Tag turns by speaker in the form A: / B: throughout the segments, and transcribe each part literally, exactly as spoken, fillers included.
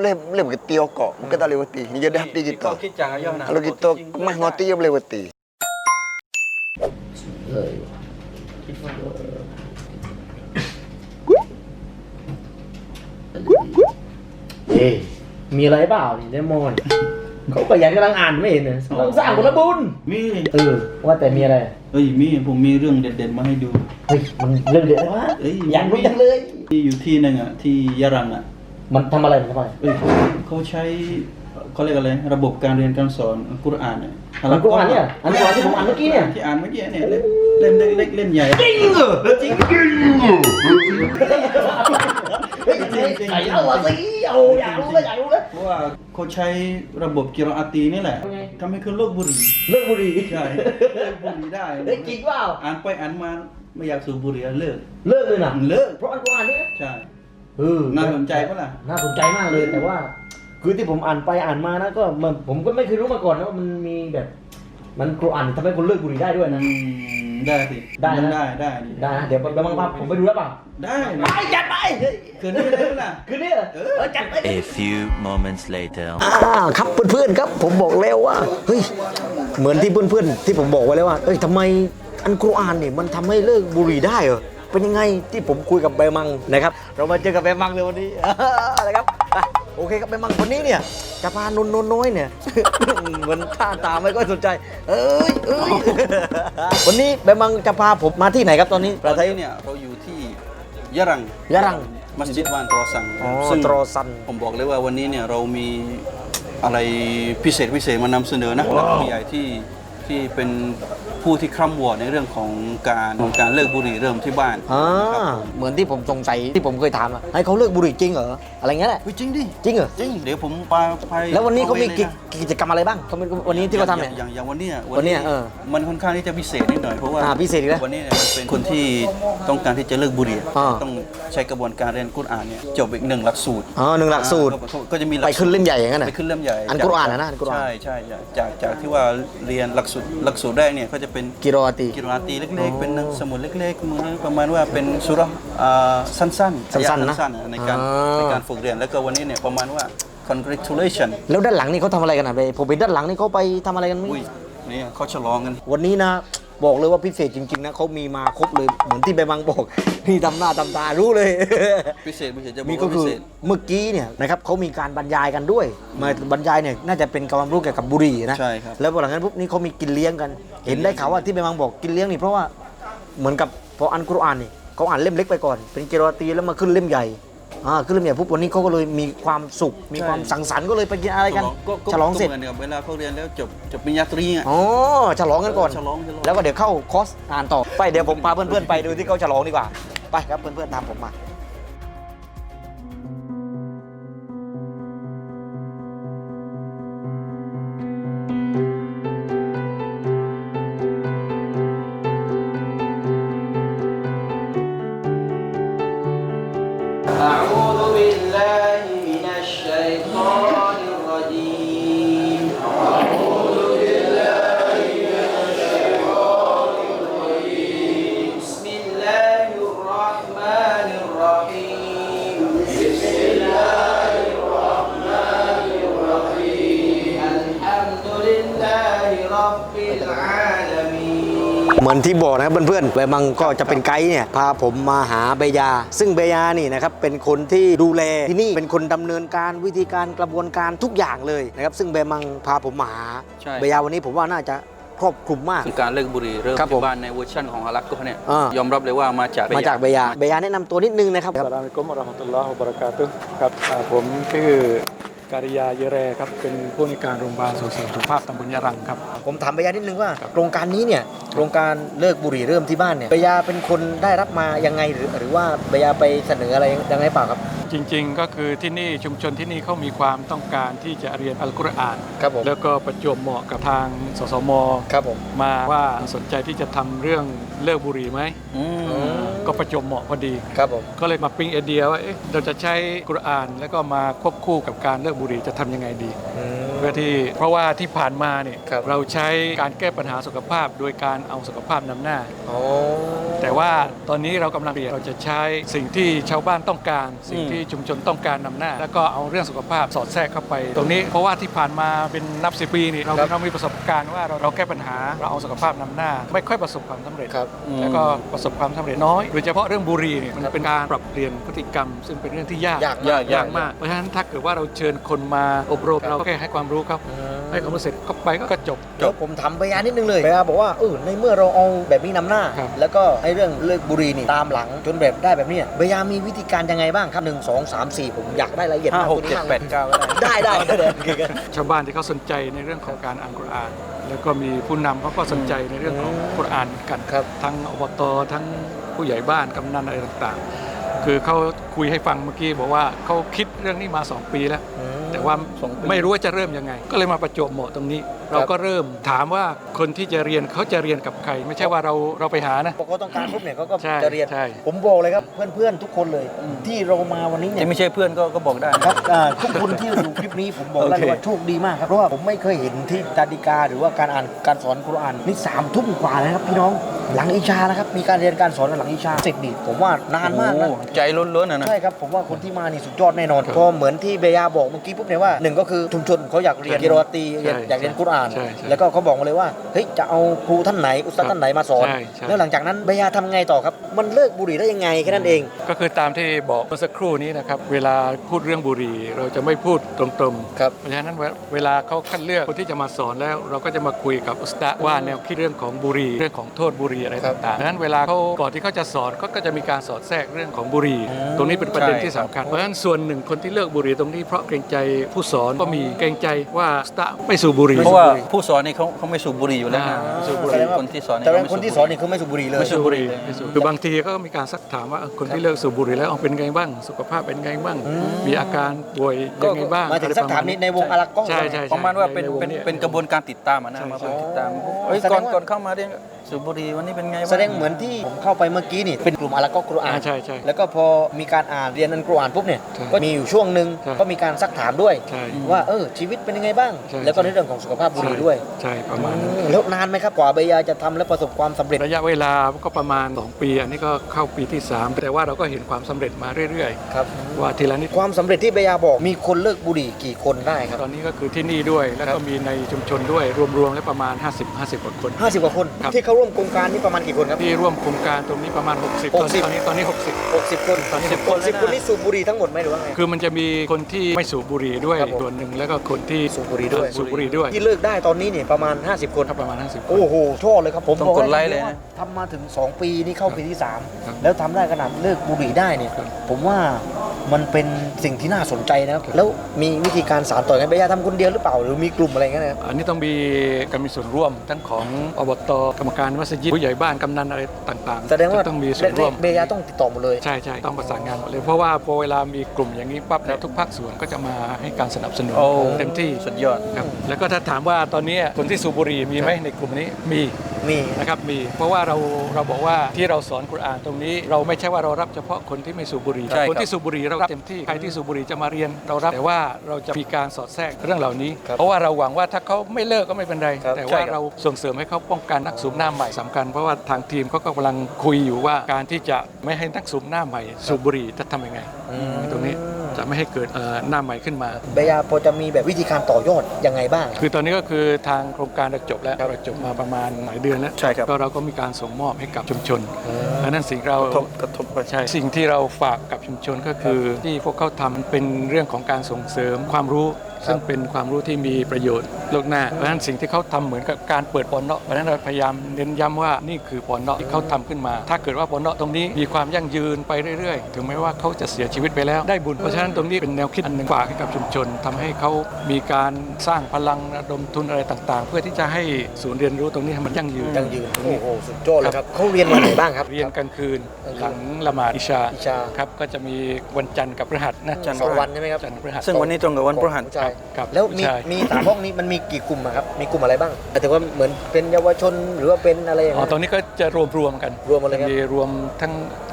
A: boleh boleh berhenti okok. Bukan tak boleh berhenti. Ni jadi hati kita. Kalau kita mah ngoti dia boleh berhenti.
B: เอ๊ะมีอะไรเปล่านี่เดมอนเขาก็ยังกำลังอ่านไม่เห็นเลยต้องสร้างผลบุญ
C: มี
B: เออว่าแต่มีอะไร
C: เอ้ยมีผมมีเรื่องเด็ดๆมาให้ดู
B: เฮ้ยมันเรื่องเด็ดเลยวะ
C: เอ้ย
B: อยากรู้จังเลย
C: ที่อยู่ที่นึงอ่ะที่ยะรังอ่ะ
B: มันทำอะไรมันทำอะไร
C: เอ้ยเขาใช้เขาเรียกอะไรระบบการเรียนการสอนอัลกุรอานเนี่ย
B: อันกูอ่านเนี่ยอันกูอ่านที่ผมอ่านเมื่อกี้เนี่ย
C: ที่อ่านเมื่อกี้เนี่ยเล่มเล่มเล็กๆเล่มใหญ่จริงเหรอจริงจริงเหรอ
B: เฮ้ยใส่เอาสิเอาอยากรู้เลยอยากรู้เลย
C: เพราะว่าเขาใช้ระบบกิรออาตีนี่แหละทำให้เขาเลิกบุหรี่
B: เลิกบุหรี่
C: ใช่เลิกบุหรี่ได้
B: เฮ้ยจริงเปล่า
C: อ่านไปอ่านมาไม่อยากสูบบุหรี่แล้วเลิก
B: เลิกเลยนะ
C: เลิก
B: เพราะอันกูอ่านเนี่ย
C: ใช่
B: เออ
C: น่าสนใจปะล่ะ
B: น่าสนใจมากเลยแต่ว่า คือที่ผมอ่านไปอ่านมานะก็มันผมก็ไม่เคยรู้มาก่อนนะว่ามันมีแบบ มันกูอ่านทำให้คนเลิกบุหรี่ได้ด้วยนะ
C: อืมได้สิ
B: ได้นะ
C: ได้ได้ดิ
B: ได้นะเดี๋ยวไปบังคับผมไปดูแล้วเปล่า
C: ได้
B: ไปจัดไป
C: คืนนี้ได้ปะล่ะ
B: คืนนี้เหรอเออจัดไป
D: A few moments later.
A: อ่าครับเพื่อนๆครับผมบอกแล้วว่าเฮ้ยเหมือนที่เพื่อนๆที่ผมบอกไว้แล้วว่าเอ้ยทำไมอันกุรอานเนี่ยมันทำให้เลิกบุหรี่ได้เหรอเป็นยังไงที่ผมคุยกับใบมังนะครับเรามาเจอกับใบมังเลยวันนี้ นะครับอ่ะโอเคครับใบมังวันนี้เนี่ยจะพานนนน้อยเนี่ย เหมือนท่าตาไม่ค่อยสนใจเอ้ยเอ้ย วันนี้ใบมังจะพาผมมาที่ไหนครับตอนนี้
C: ตอนนี้เนี่ยเราอยู่ที่ยะรัง
A: ยะรัง
C: มัสยิดวานตรอซัน
A: อ๋อ
C: ซึ่ง
A: ตรอซัน
C: ผมบอกเลยว่าวันนี้เนี่ยเรามีอะไรพิเศษพิเศษมานำเสนอนะนักผู้ใหญ่ที่ที่เป็นผู้ที่คร่ำวอร์ดในเรื่องของการของการเลิกบุหรี่เริ่มที่บ้าน
A: อ่าเหมือนที่ผมสงสัยที่ผมเคยถามอะให้เขาเลิกบุหรี่จริงเหรออะไรเงี้ยแหละ
C: เฮ้ยจริงดิ
A: จริงเหรอ
C: จริงเดี๋ยวผมไปไป
A: แล้ววันนี้เขามีกิจ
C: นะ
A: กิจกรรมอะไรบ้างเขาเป็นวันนี้ที่เขาทำเนี่ย
C: อย่างอย่างวันเนี้ย
A: วันเนี้ยเออ
C: มันค่อนข้างที่จะพิเศษนิดหน่อยเพราะว่า
A: อ่าพิเศษอีกแล้ว
C: วันนี้เนี่ยมันเป็นคนที่ต้องการที่จะเลิกบุหรี่
A: อ่า
C: ต้องใช้กระบวนการเรียนกุรอานเนี่ยจบอีกหนึ่งหลักสูตร
A: อ๋อหนึ่งหลักสูตร
C: อ่าก็ก็จะมีหลัก
A: ไปขึ้นเล่มใหญ่อย่างนั้นน่ะ
C: ไปขึ้นเล่มใหญ่
A: อันกุรอานนะนะอันกุรอาน
C: ใช่ใช่ใช่จากจากที่ว่าเรียนหลักสูตรหลักสูตรแรกเนี่ยก็จะเป็น
A: กิโรอาตี
C: กิรออาตีเล็กๆ เป็นหนังสมุดเล็กๆเหมือนประมาณว่าเป็นสุเราะห์อ่าสั้นๆ
A: สั้นๆนะ
C: สั้นๆในการ
A: อ่า
C: ในการฝึกเรียนแล้วก็วันนี้เนี่ยประมาณว่า congratulation
A: แล้วด้านหลังนี่เขาทำอะไรกันอ่ะไปผมเห็นด้านหลังนี่เขาไปทำอะไรกันมั้ย
C: อุ้ยนี่เขาฉลองกัน
A: วันนี้นะบอกเลยว่าพิเศษจริงๆนะเขามีมาครบเลยเหมือนที่ใบบังบอก นี่ทำหน้าทำตารู้เลย
C: พิเศษพิเศษจะบอก
A: มีก็
C: ว่าพิ
A: คือ
C: เศษ
A: เมื่อกี้เนี่ยนะครับเขามีการบรรยายกันด้วยมาบรรยายเนี่ยน่าจะเป็นความรู้เกี่ยวกับบุหรี่นะ
C: ใช่ครับ
A: แล้วหลังจากนั้นปุ๊บนี่เขามีกินเลี้ยงกัน เห็นได้ข่าวว่าที่ใบบังบอกกินเลี้ยงนี่เพราะว่าเหมือนกับพออันกุรอานนี่เขาอ่านเล่มเล็กไปก่อน เป็นกิโรอาตีแล้วมาขึ้นเล่มใหญ่อ่าขึ้นเล่มใหญ่ปุ๊บวันนี้เขาก็เลยมีความสุข มีความสังสรรค์ก็เลยไปกินอะไรกัน
C: ก็ก็
A: ฉลองเสร็จ
C: ก็เหมือนกับเวลาเขาเรียนแล้วจบจบปริญญาตรีอ่ะ
A: อ๋อฉลองกันก่อน
C: ฉลองฉลอง
A: แล้วก็เดี๋ยวเข้าคอร์สอ่านต่อไปเดี๋ยวผมพาเพื่อนๆไปดูที่เขาฉลองดีกว่าไปครับเพื่อนๆตามผมมา
E: أعوذ بالله من الشيطان الرجيم أعوذ بالله من الشيطان الرجيم بسم الله الرحمن الرحيم بسم الله الرحمن الرحيم الحمد لله رب العالمين
A: เหมือนที่บอกนะครับเพื่อนๆใบมังก็จะเป็นไกด์เนี่ยพาผมมาหาเบยา ซึ่งเบยานี่นะครับเป็นคนที่ดูแลที่นี่เป็นคนดำเนินการวิธีการกระบวนการทุกอย่างเลยนะครับซึ่งเบยมังพาผมมาหา
C: ใช่
A: เบยาวันนี้ผมว่าน่าจะครอบคลุมมาก
C: คือการเลิกบุหรี่เริ่ม
A: ครับผม
C: ที่บ้านในเวอร์ชันของฮาลักก็เนี่ย
A: อ่าย
C: อมรับเลยว่ามาจาก
A: มาจากเบยาเบยาแนะนำตัวนิดนึงนะครับ
F: อัสสลามุอะลัยกุมวะเราะห์มะตุลลอฮ์วะบะเราะกาตุฮ์ครับอ่าผมชื่อการิยาเยแรครับเป็นผู้ในวยการโรงพยาบาลส่งเสริมสุขภาพตำบลยะรังครับ
A: ผมถามเบยานิดนึงว่าโครงการนี้เนี่ยโครงการเลิกบุหรี่เริ่มที่บ้านเนี่ยเบยาเป็นคนได้รับมายังไงหรือหรือว่าเบยาไปเสนออะไรยังไงเปล่าครับ
F: จริงๆก็คือที่นี่ชุมชนที่นี่เขามีความต้องการที่จะเรียนอัลกุรอาน
A: ครับผม
F: แล้วก็ประจวบเหมาะกับทางสสม
A: ครับผม
F: มาว่าสนใจที่จะทำเรื่องเลิกบุหรี่ไหม
C: อืม
F: ก็ประจวบเหมาะพอดี
A: ครับผม
F: ก็เลยมาปิ๊งไอเดียว่าเอ๊ะเราจะใช้กุรอานแล้วก็มาควบคู่กับการเลิกบุหรี่จะทำยังไงดี
A: อืม
F: เพื่อที่เพราะว่าที่ผ่านมาเนี่ย
A: ครับ
F: เราใช้การแก้ปัญหาสุขภาพโดยการเอาสุขภาพนำหน้า
A: อ๋อ
F: แต่แต่ว่าตอนนี้เรากำลังเปลี่ยนเราจะใช้สิ่งที่ชาวบ้านต้องการ สิ่งที่ชุมชนต้องการนำหน้า แล้วก็เอาเรื่องสุขภาพสอดแทรกเข้าไป ตรงนี้เพราะว่าที่ผ่านมาเป็นนับสิบปีนี่เราเรามีประสบการณ์ว่าเราเราแก้ปัญหาเราเอาสุขภาพนำหน้า ไม่ค่อยประสบความสำเร็จ
A: ครับ
F: แล้วก็ประสบความสำเร็จน้อยโดยเฉพาะเรื่องบุหรี่เนี่ยมันเป็นการปรับเปลี่ยนพฤติกรรม ซึ่งเป็นเรื่องที่ยาก
A: ยาก
C: ยาก
F: ยากมากเพราะฉะนั้นถ้าเกิดว่าเราเชิญคนมาอบรมเราแค่ให้ความรู้ครับให้ความรู้เสร็จเข้าไปก็จบ
A: เดี๋ยวผมทำพยานนิดนึงเลยพยานบอกว่าเออในเมื่อเราเอาแบบนี้นำหน้า
F: ครับ
A: แล้วก็ไอ้เรื่องเลิกบุหรี่นี่ตามหลังจนแบบได้แบบนี้พยานมีวิธีการยังไงบ้างครับหนึ่งสองสามสี่ผมอยากได้รายละเอียด
C: ห้าม
A: าก
C: หกเจ็ดแปดเก้าก็ได้
A: ได้ได้ได้ได้
F: ชาวบ้านที่เขาสนใจในเรื่องของการอ่านกุรอาน แล้วก็มีผู้นำเขาก็สนใจในเรื่องของกุรอานเหมือนกัน
A: ครับ
F: ทั้งอบตทั้งผู้ใหญ่บ้านกำนันอะไรต่างๆ คือเขาคุยให้ฟังเมื่อกี้บอกว่าเขาคิดเรื่องนี้มาสองปีแล้ว แต่ว่าไม่รู้ว่าจะเริ่มยังไง ก็เลยมาประจวบเหมาะตรงนี้ เราก็เริ่มถามว่าคนที่จะเรียนเขาจะเรียนกับใคร ไม่ใช่ว่าเราเราไปหานะ
A: พอเขาต้องการปุ๊บเนี่ยเขาก็
F: ใช่
A: จะเรียน
F: ใช่
A: ผมบอกเลยครับเพื่อนๆทุกคนเลย ที่เรามาวันนี้เนี่ย
C: ที่ไม่ใช่เพื่อนก็ก็บอกได้
A: ครับอ่าทุกคนที่ดูคลิปนี้ผมบอกได้เลยว่าโชคดีมากครับเพราะว่าผมไม่เคยเห็นที่ตาดิกาหรือว่าการอ่านการสอนกุรอานนี่สามทุ่มกว่าแล้วครับพี่น้องหลังอิชานะครับมีการเรียนการสอนหลังอิชาเสร็จนี่ผมว่านานมากนะ
C: โอ้ใจล้นๆนะนะ
A: ใช่ครับผมว่าคนที่มานี่สุดยอดแน่นอนพอเหมือนที่เบยาบอกเมื่อกี้ปุ๊บเนี่ยว่าหนึ่งก็คือชุมชนเขาอยากเรียนกิโรอตีอยากอยากเรียนกุรอาน
F: ใช่ใช่
A: แล้วก็เขาบอกมาเลยว่าเฮ้ยจะเอาครูท่านไหนอุสตาดท่านไหนมาสอน
F: ใช่ใช่
A: แล้วหลังจากนั้นเบยาทำไงต่อครับมันเลิกบุหรี่ได้ยังไงแค่นั้นเอง
F: ก็คือตามที่บอกเมื่อสักครู่นี้นะครับเวลาพูดเรื่องบุหรี่เราจะไม่พูดตรงๆ
A: ครับ
F: เพราะฉะนั้นเวเวลาเขาคัดเลือกคนที่จะมาสอนแล้ว เราก็จะมาคุยกับอุสตาดว่าแนวคิดเรื่องของบุหรี่เรื่องของโทษบุหรี่อะไร
A: ครับ
F: ต่างๆดังนั้นเวลาเขาก่อนที่เขาจะสอนเขาก็จะมีการสอดแทรกเรื่องของบุหรี่ ตรงนี้เป็นประเด็นที่สำคัญเพราะฉะนั้นส่วนหนึ่งคนที่เลิกบุหรี่ตรงนี้เพราะเกรงใจผู้สอนก็มีเกรงใจว่าอุสตาดไม่สูบบุหรี่
C: เพราะว่าผู้สอนนี่เขาเขาไม่สูบบุหรี่อยู่แล้วนะ
F: อ่า
C: ไม่สูบบุห
A: แสด
C: รี่
A: งว่า
C: คนที่สอน
A: แต่ว่า
C: เขาไม่
A: คนที่ส
C: สู
A: อบ นนี่คือไม่สูบบุหรี่เลย
C: ไม่สูบบุหรี่
F: ไม่สูบคือบางทีก็มีการซักถามว่าเออคนที่เลิกสูบบุหรี่แล้วเอาเป็นไงบ้าง สุขภาพเป็นไงบ้าง มีอาการป่วยยังไงบ้าง
A: หมายถึงสักถามนี้ในวงอารักก้อง
F: ใช่ใช่ใช่
C: ประมาณว่าเป็น
F: ใวง
C: เป็น
F: ย
C: เป็นกระบวนการติดตามอะนะ
F: ใช่
C: มา
F: ใช่
C: ติดตาม
A: เฮ้
C: เฮ้
A: ย
C: ย
A: แสด
C: ก่อน
A: งว่า
C: ก่อนเข้ามาเรียนสูบบุหรี่วันนี้เป็นไงบ้าง
A: แสดงเหมือนที่ผมเข้าไปเมื่อกี้นี่เป็นกลุ่มอารักก้องกุรอาน
F: อ่าใช่ใช่
A: แล้วก็พอมีการอ่านเรียนอันกุรอานปุ๊บเนี่ย
F: ใช่
A: ก็มีอยู่ช่วงหนึ่ง
F: ใช่
A: ก็มีการซักถามด้วย
F: ใช่
A: ว่าเออชีวิตเป็นยังไงบ้าง
F: ใช่
A: แล้วก็ในเรื่องของสุขภาพบุหรี่ด้วย
F: ใช่ประมาณนั้น
A: อืมแล้วนานไหมครับกว่าเบยาจะทำและประสบความสำเร็จ
F: ระยะเวลาก็ประมาณสองปี อันนี้ก็เข้าปีที่สามแต่ว่าเราก็เห็นความสำเร็จมาเรื่อย
A: ครับ
F: ๆ ว่าทีละนิด
A: ความสำเร็จที่เบยาบอกมีคนเลิกบุหรี่กี่คนได้ครับ
F: ตอนนี้ก็คือที่นี่ด้วย แล้วก็มีในชุมชนด้วยรวมๆแล้วประมาณ ห้าสิบ ห้าสิบกว่าคน
A: ห้าสิบกว่าคน
F: ครับ
A: ที่เข้าร่วมโครงการนี้ประมาณกี่คนครับ
F: ที่ร่วมโครงการตรงนี้ประมาณ หกสิบ
A: หกสิบ
F: ตอนนี้ตอนนี้ หกสิบ
A: หกสิบคน
F: ตอนนี้
A: สิบคนสิบคนนี่สูบบุหรี่ทั้งหมดไหมหรือว่าไง
F: คือมันจะมีคนที่ไม่สูบบุหรี่ด้วย
A: ครับผม
F: ส่วนหนึ่งแล้วก็คนที่
A: สูบบุหรี่ด้วย
F: สูบบุหรี่ด้วย
A: ที่เลิกได้ตอนนี้เนี่ยประมาณห้าสิบคน
F: ครับประมาณ ห้าสิบ
A: โอ้โหชอบเลยครับผม
C: ต้อง
A: บอก
C: กดไลค์เลยนะ
A: ทำมาถึงสองปีนี่เข้าปีที่สาม
F: ครับ
A: แล้วทำได้ขนาดเลิกบุหรี่ได้เนี่ย
F: ครับ
A: ผมว่ามันเป็นสิ่งที่น่าสนใจนะครับแล้วมีวิธีการสานต่อกันเบยาทำคนเดียวหรือเปล่าหรือมีกลุ่มอะไรเงี้ยนะครับ
F: อันนี้ต้องมีการมีส่วนร่วมทั้งของอบตกรรมการมัสยิดผู้ใหญ่บ้านกำนันอะไรต่างๆ
A: แสดงว่า
F: จะต้องมีส่วนร่วม
A: เบยาต้องติดต่อหมดเลย
F: ใช่ใช่ต้องประสานงานหมดเลยเพราะว่าพอเวลามีกลุ่มอย่างนี้ปั๊บแล้วทุกภาคส่วนก็จะมาให้การสนับสนุน
C: โอ้
F: เต็มที่
C: สุดยอด
F: ครับแล้วก็ถ้าถามว่าตอนนี้คนที่สูบบุหรี่มีไหมในกลุ่มนี้มี
A: มี
F: นะครับมีเพราะว่าเราเราบอกว่าที่เราสอนกุรอานตรงนี้ เราไม่ใช่ว่าเรารับเฉพาะคนที่ไม่สูบบุหรี่
C: ใช่ครับ
F: คนที่สูบบุหรี่เรารับเต็มที่ใครที่สูบบุหรี่จะมาเรียนเรารับแต่ว่าเราจะมีการสอดแทรกเรื่องเหล่านี้ เพราะว่าเราหวังว่าถ้าเขาไม่เลิกก็ไม่เป็นไร แต่ว่าเราส่งเสริมให้เขาป้องกันนักสูบหน้าใหม่สำคัญเพราะว่าทางทีมเขาก็กำลังคุยอยู่ว่าการที่จะไม่ให้นักสูบหน้าใหม่สูบบุหรี่จะทำยังไงตรงนี้จะไม่ให้เกิดเอ่อหน้าใหม่ขึ้นมา
A: เบยาพอจะมีแบบวิธีการต่อยอดยังไงบ้าง
F: คือตอนนี้ก็คือทางโครงการเราจบแล้วเราจบมาประมาณหลายเดือนแล้ว
C: ใช่ครับ
F: ก็เราก็มีการส่งมอบให้กับชุมชนอันนั้นสิ่งเรา
C: กระทบกระทบไป
F: ใช่สิ่งที่เราฝากกับชุมชนก็คือที่พวกเขาทำเป็นเรื่องของการส่งเสริมความรู้ ซึ่งเป็นความรู้ที่มีประโยชน์โลกหน้าเพราะฉะนั้นสิ่งที่เขาทำเหมือนกับการเปิดปอนเนาะเพราะฉะนั้นเราพยายามเน้นย้ำว่านี่คือปอนเนาะที่เขาทำขึ้นมา ถ้าเกิดว่าปอนเนาะตรงนี้มีความยั่งยืนไปเรื่อยๆ ถึงแม้ว่าเขาจะเสียชีวิตไปแล้วได้บุญเพราะฉะนั้นตรงนี้เป็นแนวคิดอันหนึ่งฝากให้กับชุมชนทำให้เขามีการสร้างพลังระดมทุนอะไรต่างๆ เพื่อที่จะให้ศูนย์เรียนรู้ตรงนี้ให้มันยั่งยืน
A: ยังยืนโอ้โหสุดยอดเลยครับเขาเรียนวันไหนบ้างครับ
F: เรียนกลางคืนหลังละหมาดอิชา
A: อิชา
F: ครับก็จะมีวันจันทร์กับพฤหัสนะ
C: จันทร์
A: สองวันใช่ไหมครับ
F: จันทร์พฤหัส
C: ซึ่งวันนี้ตรงกับวันพฤหัส
A: ใช่
F: ครับ
A: แล้วมี
F: ใช่
A: มีสามห้องนี้มันมีกี่กลุ่มอะครับมีกลุ่มอะไรบ้างหมายถึงว่าเหมือนเป็นเยาวชนหรือว่าเป็นอะไรอย่าง
F: อ๋อ
A: เงี้ย
F: ตรงนี้ก็จะรวมรวมๆกัน
A: รวมหมดเลยครับ
F: มีรวมทั้ง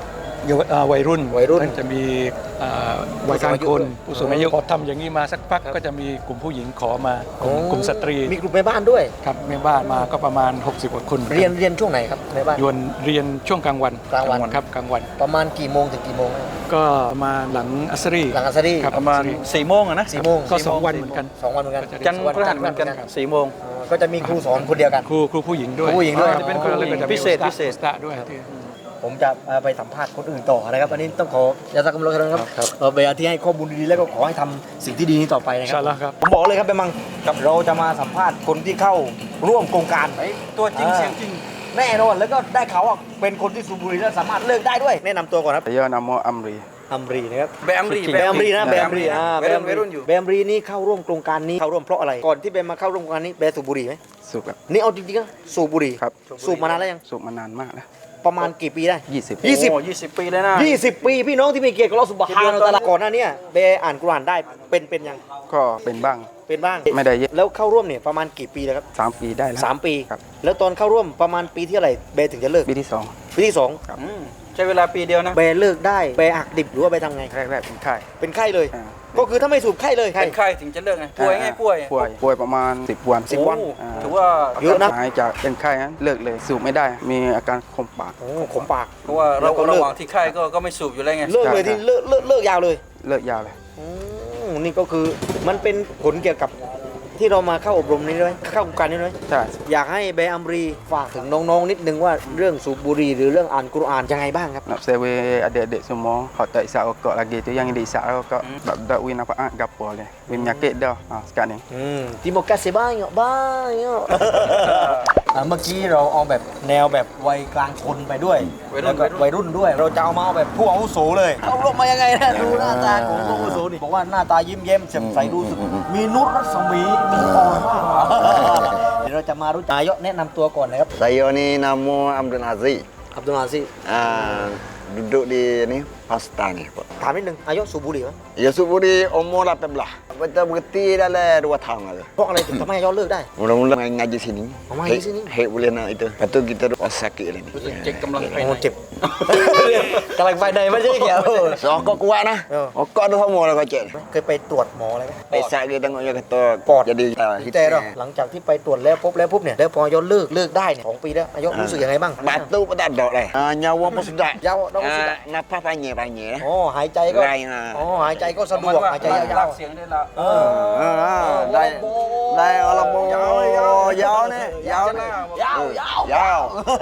F: เยาวอ่าวัยรุ่น
A: วัยรุ่น
F: ท่านจะมีอ่าวัยกลางคนผู้สูงอายุพอทำอย่างนี้มาสักพักก็จะมีกลุ่มผู้หญิงขอมากลุ่มกลุ่มสตรี
A: มีกลุ่มแม่บ้านด้วย
F: ครับแม่บ้านมาก็ประมาณ หกสิบกว่าคน
A: เรียนเรียนช่วงไหนครับแม่บ้าน
F: ยวนเรียนช่วงกลางวัน
A: กลางวัน
F: ครับกลางวัน
A: ประมาณกี่โมงถึงกี่โมง
F: ก็ประมาณหลังอัสรี
A: หลังอัสรี
F: ครับ
C: ประมาณสี่โมงอะนะ
A: สี่โมง
F: ก็สองวันเหมือนกัน
A: สองวันเหมือนกัน
C: จันทร์พฤหัสเหมือนกันสี่โมง
A: อ๋อก็จะมีครูสอนคนเดียวกัน
F: ครูครูผู้หญิงด้วย
A: ครูผู้หญิงด้วย
F: จะเป็นคนละเรื่องก็จะมี
C: พิเศษ
F: อุตา
C: พิเศษ
F: อุตาด้วยที่
A: ผมจะเอ่อไปสัมภาษณ์คนอื่นต่อนะครับอันนี้ต้องขอยาสักกำลังครับ
F: ครับ
A: เอ่อเบอาที่ให้ข้อมูลดีๆแล้วก็ขอให้ทำสิ่งที่ดีนี้ต่อไปนะค
F: ใช่
A: รับ
F: แล้วครับ
A: ผมบอกเลยครับเบมังเราจะมาสัมภาษณ์คนที่เข้าร่วมโครงการ
C: ตัวจริง
A: อ่า
C: เสียงจริง
A: แน่นอนแล้วก็ได้เขาวว่าเป็นคนที่สูบบุหรี่แล้วสามารถเลิกได้ด้วย แนะนำตัวก่อนครับ
G: Saya nama Amri.
A: อัมรีนะครับ
C: แบมรี
A: แบมรีนะแบมรีอ่า
C: วัยรุ่นวัยรุ่นอยู่
A: แบมรีนี่เข้าร่วมโครงการนี้เข้าร่วมเพราะอะไรก่อนที่เบมมาเข้าร่วมโครงการนี้เบสูบบุหรี่ไหม
G: สูบครับ
A: นี่เอาจริงๆนะสูบบุหรี่
G: ครับ
A: สูบมานานแล้วยัง
G: สูบมานานมากแล้ว
A: ประมาณกี่ปีได้
G: ยี่สิบ
A: ยี่สิบ
C: โอ้ยี่สิบปีเลยนะ
A: ยี่สิบปีพี่น้องที่มีเกียรติกับเราสุบฮานะฮูวะตะอาลาก่อนหน้าเนี้เบอ่านกุรอานได้เป็นเป็นยัง
G: ก็เป็นบ้าง
A: เป็นบ้าง
G: ไม่ได้เยอะ
A: แล้วเข้าร่วมเนี่ยประมาณกี่ปีแล้วครับ
G: สามปีได้แล้ว
A: สามปี
G: ครับ
A: แล้วตอนเข้าร่วมประมาณปีที่อะไรเบถึงจะเลิก
G: ปีที่สอง
A: ปีที่สอง
C: อืมใช้เวลาปีเดียวนะ
A: เบเลิกได้เบหักดิบหรือว่าเบทำไง
G: แรกๆเป็นไข้
A: เป็นไข้เลย
G: อ่า
A: ก็คือถ้าไม่สูบไข้เลย
C: เป็นไข้ถึงจะเลิกไง ป่วยไงป่วย
G: ป่วยป่วยประมาณสิบวัน
A: สิบวัน
C: โอ้
G: อ่า
C: ถือว่า
A: เยอะนะ
G: หายจากเป็นไข้นั้นเลิกเลยสูบไม่ได้ มีอาการคมปาก
A: โอ้ขมปาก
C: เพราะว่า
A: แล้
C: เรา
A: วก็เลิก
C: ระหว่างที่ไข้ก็ก็ไม่สูบอยู่แล้วไง
A: เลิกเลยที่เลิกเลิกเลิกยาวเลย
G: เลิกยาวเลย
A: อืมนี่ก็คือมันเป็นผลเกี่ยวกับที่เรามาเข้าอบรมนี้ด้วยเข้าโครงการนี้ด้วย
G: ใช่
A: อยากให้เบอัมรีฝากถึงน้องๆนิดนึงว่าเรื่องสูบบุหรี่หรือเรื่องอ่านกุรอานยังไงบ้างครับ
G: nak sewa adik-adik semua hak tak isap rokok lagi tu yang dia isap rokok sebab dak win apa gapo le win penyakit dah ha sekarang ni
A: อืมที่บอกกาเซบ้างเนาะบ้างเนาะ อ่ะเมื่อกี้เราเอาแบบแนวแบบวัยกลางคนไปด้วย
C: วัยรุ่น
A: แล้วก็วัยรุ่นด้วย เราจะเอามาเอาแบบผู้อาวุโสเลยเอาลงมายังไงนะดูหน้าตาของผู้อาวุโสนี่บอกว่าหน้าตายิ้มแย้มแจ่มใสรู้สึกมีนุชรัศมีมีอ่อนมากเดี๋ยวเราจะมารู้จักนายกแนะนำตัวก่อนนะครับ
H: Saya ni nama Abdul Aziz.
A: อับดุลอาซิซ
H: Ah, duduk di ni Pakistan ni. Pak.
A: ถามนิดนึงนายกสูบบุหรี่ไหม
H: Ya suburi umur lapan belas. Betul berhenti dalam dua tahun lah.
A: เพราะอะไรถึงทำให้นายกเลิกได้
H: Mula-mula main ngaji sini.
A: Oh, main
H: Hek-
A: sini.
H: Hek boleh nak itu. Lepas tu kita duduk sakit lah ni.
C: เจ็บกำลังภาย
A: โอ้
C: ใน
A: เจ็บ กำลังไปในไม่ใช่เกี่ยว
H: So, rokok kuat nah.
A: Oh.
H: Rokok tu semua lah kocek.
A: เคยไปตรวจหมออะไรไหม
H: Pesak dia tengok dia kata
A: Pot.
H: jadi uh,
A: แต่เราหลังจากที่ไปตรวจแล้วพบแล้วพบเนี่ยแล้วพอยกเลิกเลิกได้เนี่ยสองปีแล้วนายกรู้สึกยังไงบ้าง
H: Batu pun tak ada dah. Ah, nyawa pun sedap.
A: ยาวเราก็รู้สึก
H: Ah, nafas panjang-panjang lah.
A: อ๋อหายใจก็
H: ไรงอ่ะ
A: อ๋อหายใจก็สะดวกหายใจยาว
C: เสียงได้ละ
A: ๆเออ
H: Ah, dai dai Allah bo. Yau ni, yau ni.
A: Yau, yau.
H: Yau.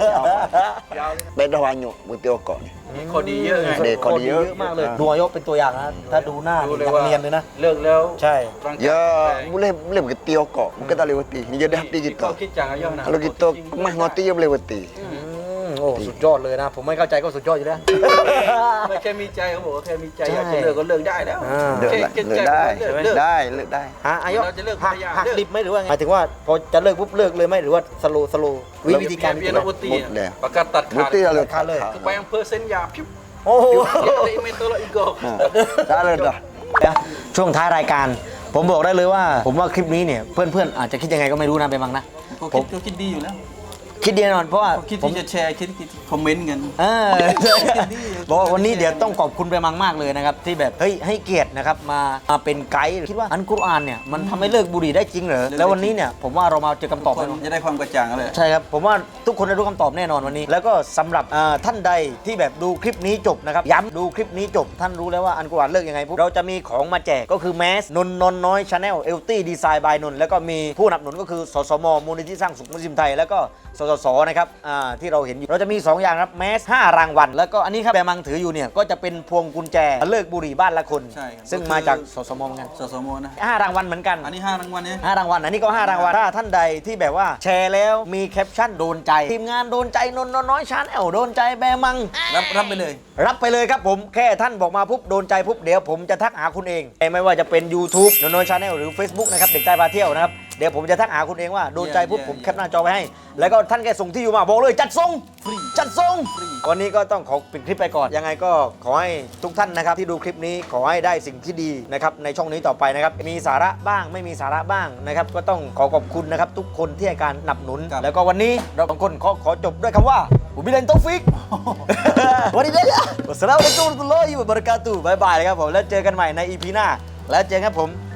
H: Beda banyak putih rokok ni.
C: มีข้อดีเยอะไง
H: เด็ก คนเยอะ
A: มากเลยดูนายกเป็นตัวอย่างนะถ้าดูหน้า
C: ดูเลย
A: นัก
C: ว่า
A: เรียนเลยนะ
C: เลิกแล้ว
A: ใช่
C: ร่างกาย
H: Ya,
C: แข็ง
H: boleh boleh berhenti rokok. Bukan tak boleh berhenti. Ni jadi hati
C: ก็
H: kita.
C: คิดอย่างอายุนะ
H: Kalau kita kemas ngoti ya boleh berhenti.
A: อืมโอ้สุดยอดเลยนะ ผมไม่เข้าใจก็สุดยอดอยู่แล้ว
C: ไม่แค่มีใจเขาบอกว่าแค่มีใจ
A: ใช่
C: อยากจะเลิกก็เลิกได้แล้ว
A: อ่า
H: Lek
C: แค่
H: lah,
C: แค่
H: lek
C: ใจ
H: dah.
C: เลิกเลิก
H: Dah, lek dah.
A: ฮะอายก
C: เราจะเลิก
A: หัก
C: ภรรยา
A: หัก
C: เลิก
A: ดิบไหมหรือว่าไงหมายถึงว่าพอจะเลิกปุ๊บเลิกเลยไหมหรือว่าสโลสโลวิวิธีการ
C: เบี
A: วิ
C: ย
A: ธี
C: ร์
A: การ
C: โอตี
H: หมดแล้ว
C: ประกาศตัดขาด
H: Berhenti lah lek.
A: ขาดเลย
C: คือไปอำเภอเส้นยาพิบ
A: โอ้โห
C: เดี๋ยวไอ้เมโทรอีกก็
H: Dah lah dah.
A: ช่วงท้ายรายการ ผมบอกได้เลยว่า ผมว่าคลิปนี้เนี่ยเพื่อนๆอาจจะคิดยังไงก็ไม่รู้นะไปบังนะ
C: เขา
A: ผ
C: คิ
A: ม
C: ดเขาคิดดีอยู่แล้ว
A: คิดดีแน่นอนเพราะว่า
C: เขาคิด
A: ผม
C: ที่จะแชร์คิดที่จะคอมเมนต์กัน
A: เออบอกว่าวันนี้เดี๋ยวต้องขอบคุณไปมังมากเลยนะครับที่แบบเฮ้ยให้เกียรตินะครับมามาเป็นไกด์คิดว่าอันกุรอานเนี่ยมันทำให้เลิกบุหรี่ได้จริงเหรอแล้ววันนี้เนี่ยผมว่าเรามาเจอคำตอบ
C: ค
A: แน่
C: น
A: นอน
C: จะได้ความกระจ่างเลย
A: ใช่ครับผมว่าทุกคนได้รู้คำตอบแน่นอนวันนี้ แล้วก็สำหรับอ่าท่านใดที่แบบดูคลิปนี้จบนะครับย้ำดูคลิปนี้จบ ท่านรู้แล้วว่าอันกุรอานเลิกยังไงปุ๊บเราจะมีของมาแจกก็คือแมสนนนนน้อยชาแนลเอลตี้ดีไซน์บายนนแล้วก็มีผู้สนับสนุนก็คือสสมมูลนิธิสร้างสุขมุสลิมไทยแล้วก็สสสนะครับอ่าที่เราเห็นอยู่เราจะมีสองอย่างครับแมสห้ารางวัลแล้วก็อันนี้ครับแบมังถืออยู่เนี่ยก็จะเป็นพวงกุญแจเลิกบุหรี่บ้านละคน
C: ใช่ครับ
A: ซึ่งมาจากสสมเหมือนกัน
C: สสมนะ
A: ห้ารางวัลเหมือนกัน
C: อันนี้ห้ารางวัลเนี่ย
A: ห้ารางวัลอันนี้ก็ห้ารางวัลถ้าท่านใดที่แบบว่าแชร์แล้วมีแคปชั่นโดนใจ ทีมงานโดนใจนนท์น้อยชาแนลโดนใจแบมัง
C: รับรับไปเลย
A: รับไปเลยครับผมแค่ท่านบอกมาปุ๊บโดนใจปุ๊บเดี๋ยวผมจะทักหาคุณเองไม่ว่าจะเป็น YouTube นนท์น้อยชาแนลหรือ Facebook นะครับเด็กใต้พาเที่ยวนะครับเดี๋ยวผมจะทักหาคุณเองว่าโดนใจปุ๊บ
C: เยี่ยม
A: ผมแคปหน้าจอไว้ให้ แล้วก็ท่านแค่ส่งที่อยู่มาบอกเลยจัดส่งจัดส่งวันนี้ก็ต้องขอปิดคลิปไปก่อนยังไงก็ขอให้ทุกท่านนะครับที่ดูคลิปนี้ขอให้ได้สิ่งที่ดีนะครับในช่องนี้ต่อไปนะครับมีสาระบ้างไม่มีสาระบ้างนะครับก็ต้องขอขอบคุณนะครับทุกคนที่ให้การสนับสนุน แล้วก็วันนี้เราสองคนขอขอจบด้วยคำว่าผมบิลลาฮิตตอฟิก วันนี้ได้ละวัสสลามุอะลัยกุมวะเราะตุลลอฮิวะบะเราะกาตุฮ์บ๊ายบายเลยครับผมแล้วเจอกันใหม่ใน อี พี หน้าแล้วเจอกันครับผม